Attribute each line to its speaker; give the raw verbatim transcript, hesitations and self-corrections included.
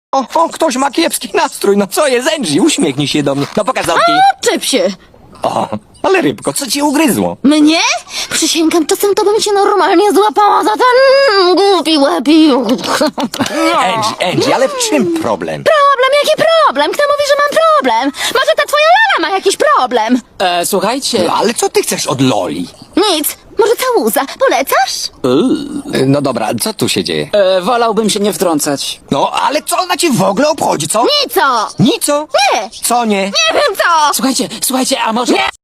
Speaker 1: O, o, ktoś ma kiepski nastrój. No co jest, Angie? Uśmiechnij się do mnie. No pokaż zamki.
Speaker 2: Czep się!
Speaker 1: O, ale rybko, co ci ugryzło?
Speaker 2: Mnie? Przysięgam, czasem to bym się normalnie złapała za ten głupi łapi.
Speaker 1: Angie, Angie, ale w czym problem?
Speaker 2: Problem? Jaki problem? Kto mówi, że mam problem? Może ta twoja Lala ma jakiś problem?
Speaker 3: E, słuchajcie,
Speaker 1: No, ale co ty chcesz od Loli?
Speaker 2: Nic. Może całuza. Polecasz?
Speaker 1: No dobra, co tu się dzieje?
Speaker 3: e, wolałbym się nie wtrącać.
Speaker 1: No, ale co ona ci w ogóle obchodzi, co?
Speaker 2: Nico!
Speaker 1: Nico?
Speaker 2: Nie!
Speaker 1: Co nie?
Speaker 2: Nie wiem co!
Speaker 3: Słuchajcie, słuchajcie, a może...
Speaker 2: Nie!